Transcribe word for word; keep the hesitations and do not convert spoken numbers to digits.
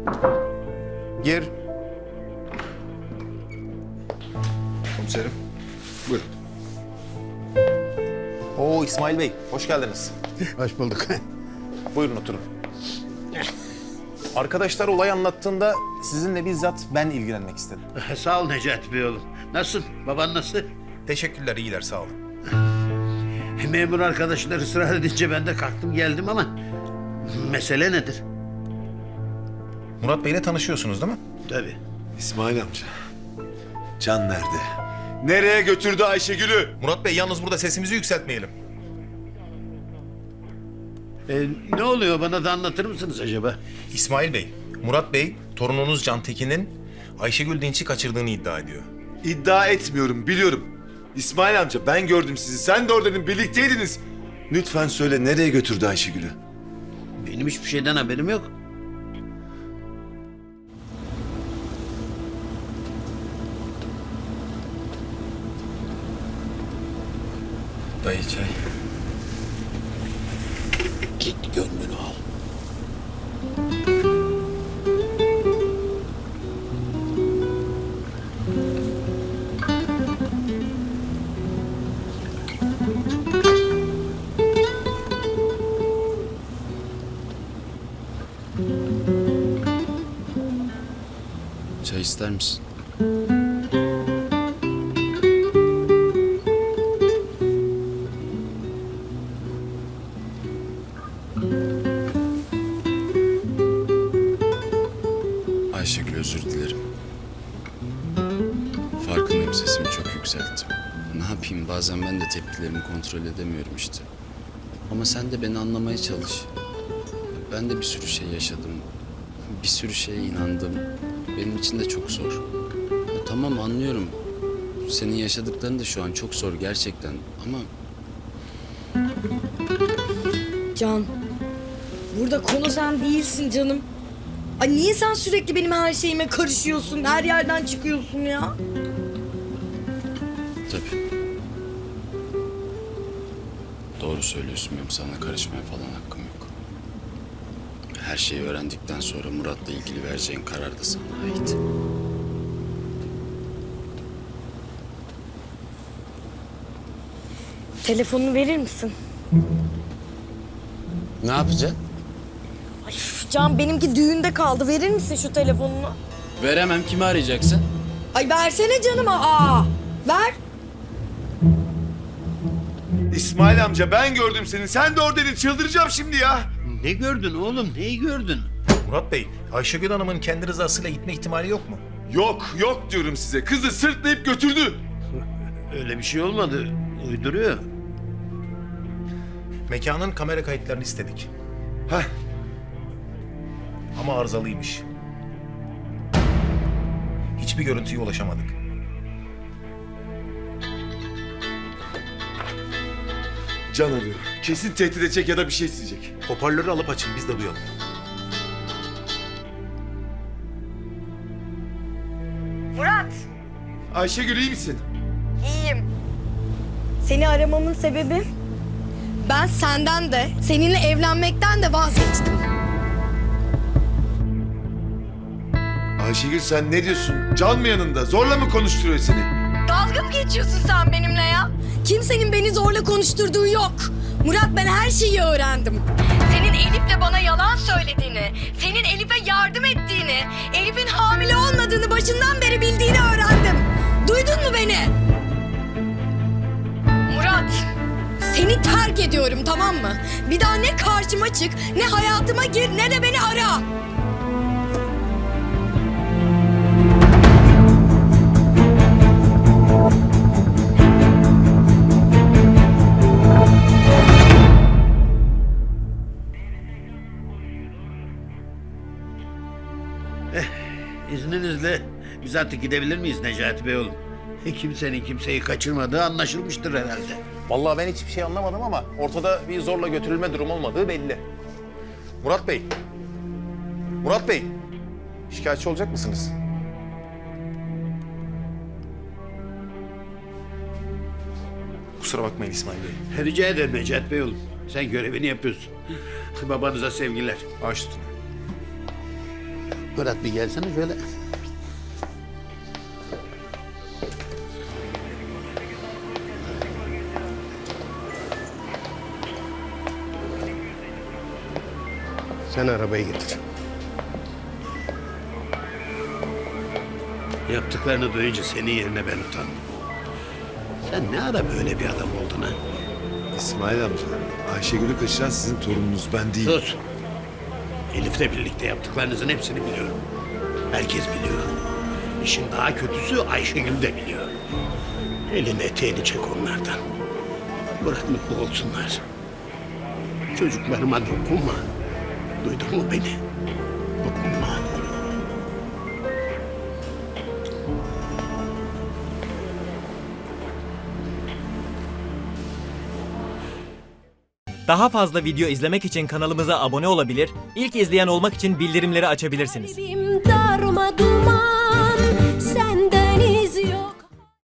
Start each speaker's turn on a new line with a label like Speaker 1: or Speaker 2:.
Speaker 1: Gir.
Speaker 2: Komiserim. Buyurun.
Speaker 1: Oo İsmail Bey, hoş geldiniz.
Speaker 2: Hoş bulduk.
Speaker 1: Buyurun oturun. Arkadaşlar olay anlattığında sizinle bizzat ben ilgilenmek istedim.
Speaker 3: Sağ ol Necati Bey oğlum. Nasılsın? Baban nasıl?
Speaker 1: Teşekkürler, iyiler, sağ olun.
Speaker 3: Memur arkadaşlar ısrar edince ben de kalktım geldim ama mesele nedir?
Speaker 1: Murat Bey'le tanışıyorsunuz değil mi?
Speaker 3: Tabii.
Speaker 2: İsmail amca. Can nerede? Nereye götürdü Ayşegül'ü?
Speaker 1: Murat Bey, yalnız burada sesimizi yükseltmeyelim.
Speaker 3: Ee, ne oluyor bana da anlatır mısınız acaba?
Speaker 1: İsmail Bey, Murat Bey, torununuz Can Tekin'in Ayşegül Dinç'i kaçırdığını iddia ediyor.
Speaker 2: İddia etmiyorum, biliyorum. İsmail amca, ben gördüm sizi. Sen de oradaydın, birlikteydiniz. Lütfen söyle, nereye götürdü Ayşegül'ü?
Speaker 3: Benim hiçbir şeyden haberim yok.
Speaker 1: Dayı çay.
Speaker 3: Git gönlünü al.
Speaker 4: Çay ister misin? Ayşegül, özür dilerim. Farkındayım, sesimi çok yükselttim. Ne yapayım, bazen ben de tepkilerimi kontrol edemiyorum işte. Ama sen de beni anlamaya çalış. Ben de bir sürü şey yaşadım. Bir sürü şeye inandım. Benim için de çok zor. Ya tamam, anlıyorum. Senin yaşadıkların da şu an çok zor gerçekten. Ama
Speaker 5: Can, burada konu sen değilsin canım. Ay niye sen sürekli benim her şeyime karışıyorsun, her yerden çıkıyorsun ya?
Speaker 4: tabii. Doğru söylüyorsun, benim sana karışmaya falan hakkım yok. Her şeyi öğrendikten sonra Murat'la ilgili vereceğin karar da sana ait.
Speaker 5: Telefonunu verir misin?
Speaker 4: Ne yapacaksın?
Speaker 5: Ay üf, Can benimki düğünde kaldı. Verir misin şu telefonunu?
Speaker 4: Veremem, kimi arayacaksın?
Speaker 5: Ay versene canıma. Aa, ver.
Speaker 2: İsmail amca, ben gördüm seni. Sen de oradaydın. Çıldıracağım şimdi ya.
Speaker 3: Ne gördün oğlum? Neyi gördün?
Speaker 1: Murat Bey, Ayşegül Hanım'ın kendi rızasıyla gitme ihtimali yok mu?
Speaker 2: Yok, yok diyorum size. Kızı sırtlayıp götürdü.
Speaker 3: Öyle bir şey olmadı. Uyduruyor.
Speaker 1: Mekanın kamera kayıtlarını istedik.
Speaker 2: Heh,
Speaker 1: Ama arızalıymış. Hiçbir görüntüye ulaşamadık.
Speaker 2: Can arıyor. Kesin tehdit edecek ya da bir şey isteyecek.
Speaker 1: Hoparlörü alıp açın, biz de duyalım.
Speaker 5: Murat.
Speaker 2: Ayşegül, iyi misin?
Speaker 5: İyiyim. Seni aramamın sebebi... Ben senden de, seninle evlenmekten de vazgeçtim.
Speaker 2: Ayşegül, sen ne diyorsun? Can mı yanında? Zorla mı konuşturuyor seni?
Speaker 5: Dalga mı geçiyorsun sen benimle ya? Kimsenin beni zorla konuşturduğu yok. Murat, ben her şeyi öğrendim. Senin Elif'le bana yalan söylediğini, senin Elif'e yardım ettiğini, Elif'in hamile olmadığını başından beri bildiğini öğrendim. Duydun mu beni? Murat, seni terk ediyorum, tamam mı? Bir daha ne karşıma çık, ne hayatıma gir, ne de beni ara.
Speaker 3: İzninizle biz artık gidebilir miyiz Necati Bey oğlum? Kimsenin kimseyi kaçırmadığı anlaşılmıştır herhalde.
Speaker 1: Vallahi ben hiçbir şey anlamadım ama ortada bir zorla götürülme durum olmadığı belli. Murat Bey. Murat Bey. Şikayetçi olacak mısınız? Kusura bakmayın İsmail Bey.
Speaker 3: Rica ederim Necati Bey oğlum. Sen görevini yapıyorsun. Babanıza sevgiler.
Speaker 1: Baş üstüne.
Speaker 3: Murat bir gelsene şöyle. Sen arabayı getir. Yaptıklarını duyunca senin yerine ben utandım. Sen ne ara böyle bir adam oldun ha?
Speaker 2: İsmail amca, Ayşegül'ü kaçıran sizin torununuz, ben değil.
Speaker 3: Sus. Elif'le birlikte yaptıklarınızın hepsini biliyorum. Herkes biliyor. İşin daha kötüsü Ayşegül de biliyor. Elini eteğini çek onlardan. Bırak mutlu olsunlar. Çocuklarıma dokunma. Duydun mu beni? Dokunma.
Speaker 6: Daha fazla video izlemek için kanalımıza abone olabilir, ilk izleyen olmak için bildirimleri açabilirsiniz.
Speaker 7: Kalbim darma duman